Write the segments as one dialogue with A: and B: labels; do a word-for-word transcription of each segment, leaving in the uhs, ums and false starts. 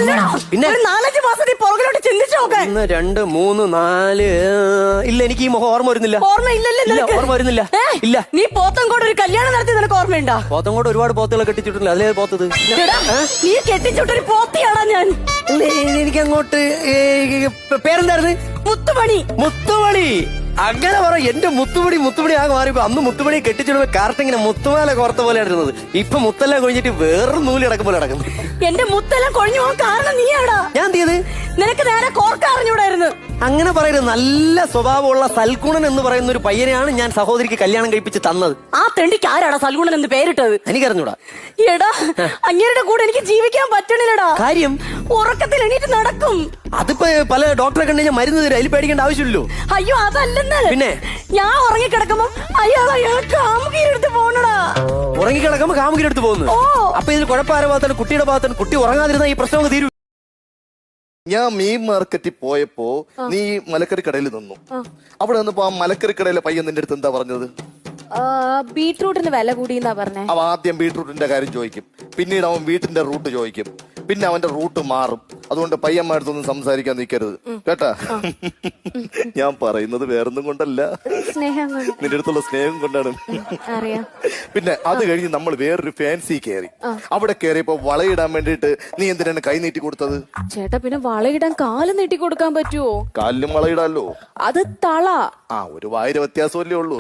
A: പിന്നെ
B: നാലഞ്ച് മാസത്തിൽ പുറകിലോട്ട് ചിന്തിച്ചു നോക്കാൻ.
A: ഒന്ന് രണ്ട് മൂന്ന് നാല് ഇല്ല, എനിക്ക് ഈ മുഖം ഓർമ്മ വരുന്നില്ല.
B: ഓർമ്മ ഇല്ലല്ലോ,
A: ഓർമ്മ വരുന്നില്ല. ഇല്ല,
B: നീ പോത്തങ്കോട് ഒരു കല്യാണം നടത്തി നിനക്ക് ഓർമ്മയുണ്ടോ?
A: പോത്തങ്കോട് ഒരുപാട് പോത്തുകളെ കെട്ടിച്ചിട്ടില്ല. അതിലേ പോത്തത്
B: നീ കെട്ടിച്ചിട്ടൊരു പോത്തിയാടാ ഞാൻ.
A: എനിക്ക് അങ്ങോട്ട് പേരെന്തായിരുന്നു?
B: മുത്തുമണി.
A: മുത്തുമണി. അങ്ങനെ പറ. എന്റെ മുത്തുമണി മുത്തുമണി ആകെ മാറിയപ്പോ അന്ന് മുത്തുമണി കെട്ടിച്ചിടുമ്പോ കറക്റ്റ് ഇങ്ങനെ മുത്തുമാല കോർത്ത പോലെ ഇരുന്നത്. ഇപ്പൊ മുത്തെല്ലാം കൊഴിഞ്ഞിട്ട് വേറൊരു നൂല് കിടക്കും പോലെ കിടക്കുന്നു.
B: എന്റെ മുത്തെല്ലാം കൊഴിഞ്ഞു പോകാൻ കാരണം നീയാടാ.
A: ഞാൻ തീയത്
B: നിനക്ക് നേരെ കോർക്ക അറിഞ്ഞൂടായിരുന്നു.
A: അങ്ങനെ പറയരുത്. നല്ല സ്വഭാവമുള്ള സൽഗുണൻ എന്ന് പറയുന്ന ഒരു പയ്യനെയാണ് ഞാൻ സഹോദരിക്ക് കല്യാണം കഴിപ്പിച്ച് തന്നത്.
B: ആ തെണ്ടിക്ക് ആരാടാ സൽഗുണൻ എന്ന് പേരിട്ടത്?
A: എനിക്കറിഞ്ഞൂടാ.
B: എടാ, അങ്ങേരുടെ കൂടെ എനിക്ക് ജീവിക്കാൻ പറ്റണില്ലടാ.
A: കാര്യം?
B: ഉറക്കത്തിൽ എണീറ്റ് നടക്കും.
A: അതിപ്പോ പല ഡോക്ടറെ കണ്ടു കഴിഞ്ഞാൽ മരുന്ന് തരും. അതിൽ പേടിക്കേണ്ട ആവശ്യമില്ലല്ലോ.
B: അയ്യോ, അതല്ലെന്ന്.
A: പിന്നെ
B: ഞാൻ ഉറങ്ങിക്കിടക്കുമ്പോ അയാൾ അയാൾ കാമുകിയെടുത്ത് പോണടാ.
A: ഉറങ്ങിക്കിടക്കുമ്പോ കാമുകിയെടുത്ത് പോകുന്നു. അപ്പൊ ഇതിൽ കുഴപ്പമാരുടെ ഭാഗത്താണ്? കുട്ടിയുടെ ഭാഗത്താണ്. കുട്ടി ഉറങ്ങാതിരുന്ന ഈ പ്രശ്നം തീരും.
C: ഞാൻ മീൻ മാർക്കറ്റിൽ പോയപ്പോ നീ മലക്കറി കടയിൽ നിന്നു. അവിടെ നിന്നപ്പോ ആ മലക്കറി കടയിലെ പയ്യൻ നിന്റെ അടുത്ത് എന്താ പറഞ്ഞത്?
B: ബീട്രൂട്ടിന് വില കൂടിയെന്നാ പറഞ്ഞേ.
C: അവൻ ആദ്യം ബീട്രൂട്ടിന്റെ കാര്യം ചോദിക്കും, പിന്നീട് അവൻ വീട്ടിന്റെ റൂട്ട് ചോദിക്കും, പിന്നെ അവന്റെ റൂട്ട് മാറും. അതുകൊണ്ട് പയ്യന്മാരടുത്തൊന്നും സംസാരിക്കാൻ നിൽക്കരുത് കേട്ടാ. ഞാൻ പറയുന്നത് വേറൊന്നും കൊണ്ടല്ല, നിന്റെ അടുത്തുള്ള സ്നേഹം കൊണ്ടാണ്. പിന്നെ അത് കഴിഞ്ഞ് നമ്മൾ വേറൊരു ഫാൻസി കയറി. അവിടെ കയറിയപ്പോ വളയിടാൻ വേണ്ടിട്ട് നീ എന്തിനാണ് കൈ നീട്ടി കൊടുത്തത്?
B: ചേട്ടാ, പിന്നെ വളയിടാൻ കാല് നീട്ടി കൊടുക്കാൻ പറ്റുമോ?
C: കാലിലും വളയിടാലോ.
B: അത് തള.
C: ആ, ഒരു വായിര വ്യത്യാസമല്ലേ ഉള്ളൂ.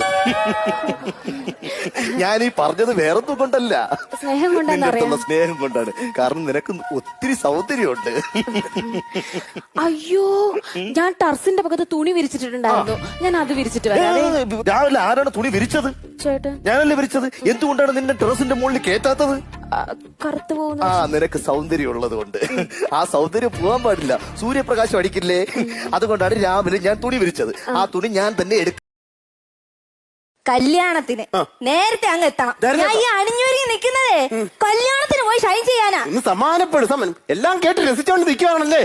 C: ഞാൻ ഈ പറഞ്ഞത് വേറൊന്നും കൊണ്ടല്ല,
B: സ്നേഹം കൊണ്ടാണ്.
C: സ്നേഹം കൊണ്ടാണ്. കാരണം നിനക്ക് ഒത്തിരി സൗന്ദര്യമുണ്ട്.
B: അയ്യോ, ഞാൻ ടർസിന്റെ പക്കത്ത് തുണി വിരിച്ചിട്ടുണ്ടായിരുന്നു. ഞാൻ അത് വിരിച്ചിട്ട് വരാം.
C: രാവിലെ ആരാണ് തുണി വിരിച്ചത്?
B: ചേട്ടൻ.
C: ഞാനല്ലേ വിരിച്ചത്. എന്തുകൊണ്ടാണ് നിന്റെ ടെറസിന്റെ മുകളിൽ കേറ്റാത്തത്?
B: കറുത്തു പോകുന്നു.
C: ആ, നിനക്ക് സൗന്ദര്യം ഉള്ളത് കൊണ്ട്. ആ സൗന്ദര്യം പോകാൻ പാടില്ല, സൂര്യപ്രകാശം അടിക്കില്ലേ. അതുകൊണ്ടാണ് രാവിലെ ഞാൻ തുണി വിരിച്ചത്. ആ തുണി ഞാൻ തന്നെ എടുക്കും.
B: കല്യാണത്തിന് നേരത്തെ അങ്ങ് എത്തണം. ഞാൻ ഈ അണിഞ്ഞൊരുങ്ങി നിൽക്കുന്നതേ കല്യാണത്തിന് പോയി ഷൈൻ ചെയ്യാനാ.
D: സമാനപ്പെടും. സമൻ എല്ലാം കേട്ട് രസിച്ചോണ്ട് നിൽക്കുകയാണല്ലേ.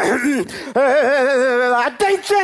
D: അറ്റൻഷൻ,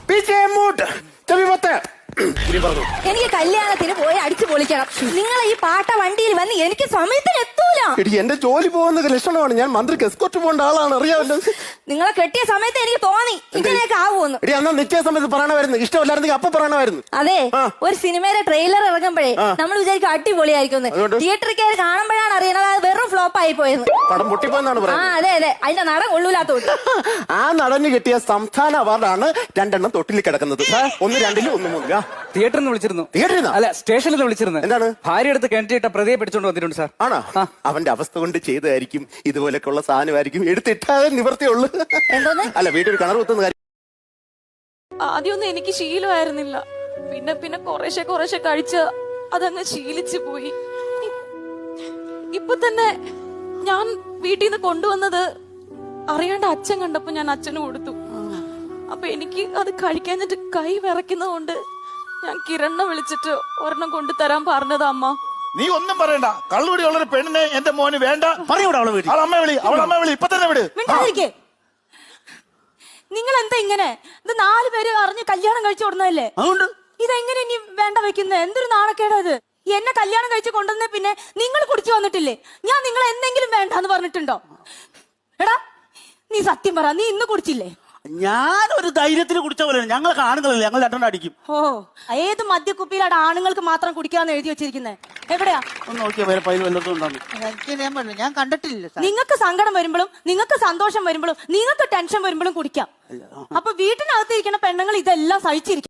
B: എനിക്ക് കല്യാണത്തിന് പോയി അടിച്ചു പൊളിക്കണം. നിങ്ങൾ ഈ പാട്ട വണ്ടിയിൽ വന്ന് എനിക്ക് സമയത്തിന് എത്തൂല.
D: എന്റെ ജോലി പോകുന്ന ലക്ഷണമാണ്. ഞാൻ മന്ത്രിക്ക് എസ്കോർട്ട് പോകേണ്ട ആളാണ്, അറിയാമല്ലോ.
B: നിങ്ങളെ കെട്ടിയ സമയത്ത് എനിക്ക് തോന്നി ഇങ്ങനെയൊക്കെ ആവുമെന്ന്.
D: എടി, അന്നാ നിശ്ചയ സമയത്ത് പറയണമായിരുന്നു. ഇഷ്ടമല്ലായിരുന്നെങ്കിൽ അപ്പൊ പറയണമായിരുന്നു.
B: അതെ, ഒരു സിനിമയുടെ ട്രെയിലർ ഇറങ്ങുമ്പോഴേ നമ്മൾ വിചാരിക്കും അടിപൊളിയായിരിക്കും. തിയേറ്ററിൽ കയറി കാണുമ്പോഴാണ് അറിയണത് അത് വെറും ഫ്ലോപ്പ് ആയി പോയത്.
D: പടം പൊട്ടിപ്പോയെന്നാണ് പറയുന്നത്.
B: ആ, അതെ അതെ, അതിന്റെ നടൻ കൊള്ളൂലാത്തോണ്ട്.
D: ആ നടന് കിട്ടിയ സംസ്ഥാന അവാർഡാണ് രണ്ടെണ്ണം തൊട്ടിൽ കിടക്കുന്നത്. ഒന്ന് രണ്ടിലും ഒന്ന് മൂന്നില്ല.
E: തിയേറ്ററിൽ നിന്ന് വിളിച്ചിരുന്നു.
D: തിയേറ്ററിൽ
E: അല്ല, സ്റ്റേഷനിൽ നിന്ന് വിളിച്ചിരുന്നു.
D: എന്താണ്?
E: ഭാര്യ എടുത്ത് കിണറ്റിട്ട പ്രതിയെ പിടിച്ചോണ്ട് വന്നിട്ടുണ്ട് സാർ.
D: ആണോ? അവന്റെ അവസ്ഥ കൊണ്ട് ചെയ്തതായിരിക്കും. ഇതുപോലൊക്കെയുള്ള സാധനമായിരിക്കും. എടുത്തിട്ടാതെ നിവർത്തിയുള്ളൂ. അല്ല, വീട്ടിൽ കിണർ കുത്തുന്ന കാര്യം
F: ആദ്യമൊന്നും എനിക്ക് ശീലമായിരുന്നില്ല. പിന്നെ പിന്നെ കുറേശ്ശെ കുറേശ്ശെ കഴിച്ച് അതങ്ങ് ശീലിച്ചു പോയി. ഇപ്പൊ തന്നെ ഞാൻ വീട്ടിൽ നിന്ന് കൊണ്ടുവന്നത് അറിയാണ്ട് അച്ഛൻ കണ്ടപ്പോ ഞാൻ അച്ഛന് കൊടുത്തു. അപ്പൊ എനിക്ക് അത് കഴിക്കാഞ്ഞിട്ട് കൈ വിറയ്ക്കുന്നതുകൊണ്ട് ഞാൻ കിരണ്ണ വിളിച്ചിട്ട് ഒരെണ്ണം കൊണ്ടു തരാൻ പറഞ്ഞത് അമ്മ.
G: നീ ഒന്നും പറയണ്ട. കള്ളുപിടി ഉള്ളൊരു പെണ്ണിനെ എന്റെ മോന് വേണ്ട.
D: പറയൂടെ അവളെ വിളി.
G: അവളെ അമ്മ വിളി, അവളെ അമ്മ വിളി, ഇപ്പൊ തന്നെ വിട്.
F: നിങ്ങൾ എന്താ ഇങ്ങനെ? ഇത് നാല് പേര് അറിഞ്ഞ് കല്യാണം കഴിച്ചു കൊടുന്നതല്ലേ?
D: അതുകൊണ്ട്
F: ഇതെങ്ങനെ ഇനി വേണ്ട വെക്കുന്നത്? എന്തൊരു നാണക്കേടത്. എന്നെ കല്യാണം കഴിച്ച് കൊണ്ടുവന്നേ പിന്നെ നിങ്ങൾ കുടിച്ചു വന്നിട്ടില്ലേ? ഞാൻ നിങ്ങൾ എന്തെങ്കിലും വേണ്ടെന്ന് പറഞ്ഞിട്ടുണ്ടോ? എടാ, നീ സത്യം പറ, നീ ഇന്ന് കുടിച്ചില്ലേ?
H: ഞാനൊരു ധൈര്യത്തിന് കുടിച്ച പോലെ. ഞങ്ങൾ ആണുങ്ങളല്ലേ, ഞങ്ങൾ രണ്ടെണ്ണം അടിക്കും.
F: ഓ, ഏത് മദ്യക്കുപ്പിയിലാണ് ആണുങ്ങൾക്ക് മാത്രം കുടിക്കാന്ന് എഴുതി വെച്ചിരിക്കുന്നത്? എവിടെയാ
H: ഒന്ന് നോക്കിയാ വേറെ പൈൽ വല്ലതും ഉണ്ടാകും. ഞാൻ കണ്ടിട്ടില്ല.
F: നിങ്ങൾക്ക് സങ്കടം വരുമ്പോഴും നിങ്ങൾക്ക് സന്തോഷം വരുമ്പോഴും നിങ്ങൾക്ക് ടെൻഷൻ വരുമ്പോഴും കുടിക്കാം. അപ്പൊ വീട്ടിനകത്തിരിക്കുന്ന പെണ്ണുങ്ങൾ ഇതെല്ലാം സഹിച്ചിരിക്കും.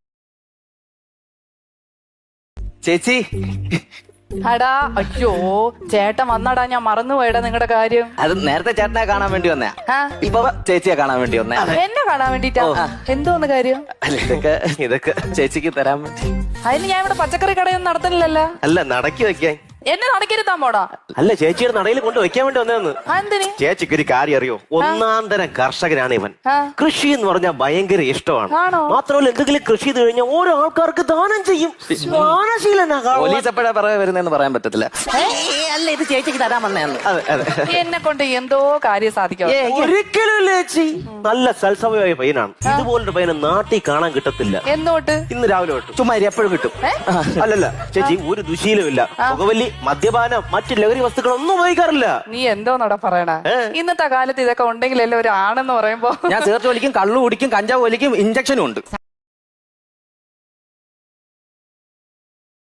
A: ചേച്ചി,
I: അടാ, അയ്യോ ചേട്ടൻ വന്നടാ, ഞാൻ മറന്നുപോയടാ നിങ്ങളുടെ കാര്യം.
A: അത് നേരത്തെ ചേട്ടനെ കാണാൻ വേണ്ടി വന്നേ. ഇപ്പൊ ചേച്ചിയെ കാണാൻ വേണ്ടി വന്നേ.
I: എന്നെ കാണാൻ വേണ്ടിട്ടാ? എന്തോന്ന് കാര്യം?
A: ഇതൊക്കെ ഇതൊക്കെ ചേച്ചിക്ക് തരാൻ വേണ്ടി.
I: അതിന് ഞാൻ ഇവിടെ പച്ചക്കറി കടയൊന്നും നടത്തുന്നില്ലല്ലോ.
A: അല്ല, നടക്കി വെക്കാൻ.
I: എന്നെ നടക്കരുത്താൻ പോടാ.
A: അല്ല, ചേച്ചിയുടെ നടയിൽ കൊണ്ട് വെക്കാൻ വേണ്ടി വന്നതെന്ന്.
I: എന്തിന്?
A: ചേച്ചിക്ക് ഒരു കാര്യം അറിയോ? ഒന്നാം തരം കർഷകനാണ് ഇവൻ. കൃഷി എന്ന് പറഞ്ഞാൽ ഭയങ്കര ഇഷ്ടമാണ്. മാത്രമല്ല, എന്തെങ്കിലും കൃഷി ചെയ്ത് കഴിഞ്ഞാൽ ഓരോ ആൾക്കാർക്ക് ദാനം ചെയ്യും. പോലീസ് എപ്പോഴാ പറയാ വരുന്നതെന്ന് പറയാൻ പറ്റത്തില്ല.
I: അല്ല, ഇത് ചേച്ചിക്ക് തരാൻ വന്നേന്ന്. എന്നെ കൊണ്ട് എന്തോ കാര്യം സാധിക്കാം.
A: ഒരിക്കലും ചേച്ചി നല്ല സൽസമയമായ പയ്യനാണ്. ഇതുപോലൊരു പയ്യനെ നാട്ടിൽ കാണാൻ കിട്ടത്തില്ല.
I: എന്നോട്ട്?
A: ഇന്ന് രാവിലെ തൊട്ട്. ചുമ്മാ എപ്പോഴും കിട്ടും. അല്ലല്ല ചേച്ചി, ഒരു ദുശീലമില്ല. പുകവലി മദ്യപാനം മറ്റു ലഹരി വസ്തുക്കളൊന്നും ഉപയോഗിക്കാറില്ല.
I: നീ എന്തോന്നടാ പറയണ? ഇന്നത്തെ കാലത്ത് ഇതൊക്കെ ഉണ്ടെങ്കിലല്ലേ ഒരു ആണെന്ന് പറയുമ്പോ.
A: ഞാൻ സിഗരറ്റ് വലിക്കും, കള്ളു കുടിക്കും, കഞ്ചാവ് വലിക്കും, ഇഞ്ചക്ഷനും ഉണ്ട്.